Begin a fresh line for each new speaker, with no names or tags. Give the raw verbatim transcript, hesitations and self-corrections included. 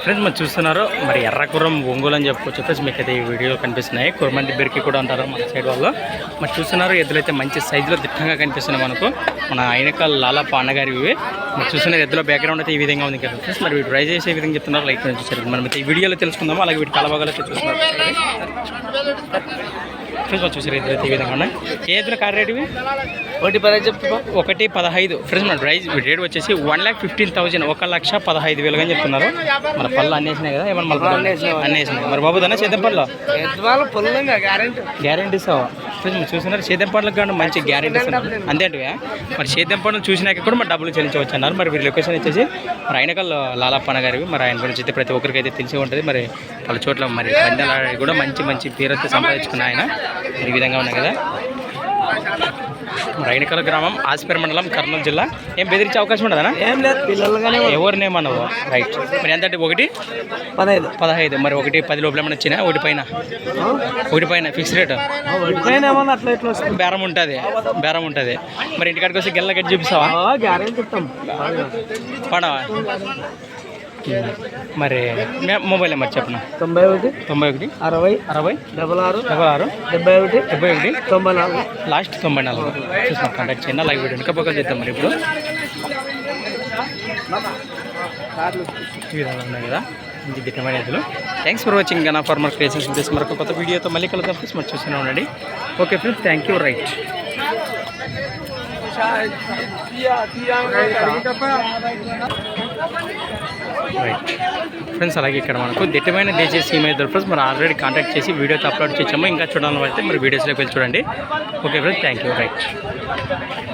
Friends మరి చూస్తున్నారు మరి ఎర్రకుర్రం ఒంగోలు అని చెప్పుకోవచ్చు ఫ్రెండ్స్. మీకు అయితే ఈ వీడియోలో కనిపిస్తున్నాయి. కుర్మంది బిరికి కూడా అంటారు మన సైడ్ వాళ్ళు. మరి చూస్తున్నారు ఎద్దులైతే మంచి సైజులో దిట్టంగా కనిపిస్తున్నాయి మనకు. మన అయినక లాలప్ప అన్నగారి ఇవి మరి చూస్తున్నారు. ఎద్దులో బ్యాక్గ్రౌండ్ అయితే ఈ విధంగా ఉంది కదా ఫ్రెండ్స్. మరి వీటి డ్రైవ్ చేసే విధంగా చెప్తున్నారు. లైక్ చూసారు మనం అయితే ఈ వీడియోలో తెలుసుకుందాము. అలాగే వీటి కలబాగాలు అయితే చూస్తున్నారు ఫ్రెండ్స్. మరి చూసారు ఎద్దులు అయితే ఈ విధంగా ఉన్నాయి. ఏ ఎద్దుల కార్ రేట్ ఇవి
ఒకటి పదహైదు చెప్తా
ఒకటి పదహైదు ఫ్రెండ్స్. మన డ్రైజ్ రేట్ వచ్చేసి వన్ ల్యాక్ ఫిఫ్టీన్ థౌసండ్ ఒక లక్ష పదహైదు వేలుగా అని చెప్తున్నారు. మన పళ్ళు అన్నేసినాయి కదా ఏమన్నా మళ్ళీ అన్నేసినాయి. మరి బాబు దాన్ని సేద్యం పళ్ళు గ్యారెంటీ ఇస్తావా ఫ్రెండ్స్. మీరు చూస్తున్నారు సేద్యం పళ్ళకి కానీ మంచి గ్యారెంటీ ఇస్తున్నారు అంతేంటివే. మరి సేద్యం పళ్ళు చూసినాక కూడా మరి డబ్బులు చెల్లించవచ్చు అన్నారు. మరి వీరి లొకేషన్ వచ్చేసి మరి ఆయనకల్ లాలప్పన్న గారివి. మరి ఆయన గురించి అయితే ప్రతి ఒక్కరికి అయితే తెలిసి ఉంటుంది. మరి వాళ్ళ చోట్ల మరి పందాలు కూడా మంచి మంచి పేరైతే సంపాదించుకున్న ఆయన ఈ విధంగా ఉన్నాయి కదా. రైనకల్ గ్రామం ఆసిపేర మండలం కర్నూలు జిల్లా. ఏం బెదిరించే అవకాశం ఉండదా?
ఏం లేదు పిల్లలుగానే
ఎవరినేమన్నావు రైట్. మరి ఎంత అంటే ఒకటి
పదహైదు
పదహైదు మరి ఒకటి పది లోపల ఏమైనా వచ్చినా ఒకటి పైన ఒకటి పైన ఫిక్స్ రేట్
ఏమన్నా అట్లా ఇట్లా వస్తుంది
బేరం ఉంటుంది బేరం ఉంటుంది. మరి ఇంటికాడికి వస్తే గెల్ల గట్టి చూపిస్తావా?
గ్యారెంటీ ఇస్తాం
పడవా? మరి మొబైల్ నెంబర్ చెప్పనా?
తొంభై ఒకటి
తొంభై ఒకటి
అరవై
అరవై
డబల్ ఆరు
డబల్ ఆరు
డెబ్బై ఒకటి
డెబ్బై ఒకటి
తొంభై నాలుగు
లాస్ట్ తొంభై నాలుగు చూసిన కాంటాక్ట్ చేయండి. లైవ్ వీడియో ఇంకా పక్కన చేద్దాం. మరి ఇప్పుడు ఈ విధంగా ఉన్నాయి కదా మంచి దిట్టమైన ఎద్దులు. Thanks for watching Gana farmer creations place. మరొక కొత్త వీడియోతో మళ్ళీ కలుద్దాం ఫ్రెండ్స్. మరి చూస్తూనే ఉండండి. Okay friends, thank you. Right right friends. అలాగే ఇక్కడ మనకు దిట్టమైన దేశీయ సీమ ఎద్దులు ఫ్రెండ్స్. మరి ఆల్రెడీ కాంటాక్ట్ చేసి వీడియోతో అప్లోడ్ చేసాము. ఇంకా చూడాలని అయితే మరి వీడియోస్లోకి వెళ్ళి చూడండి. Okay friends, thank you. Right.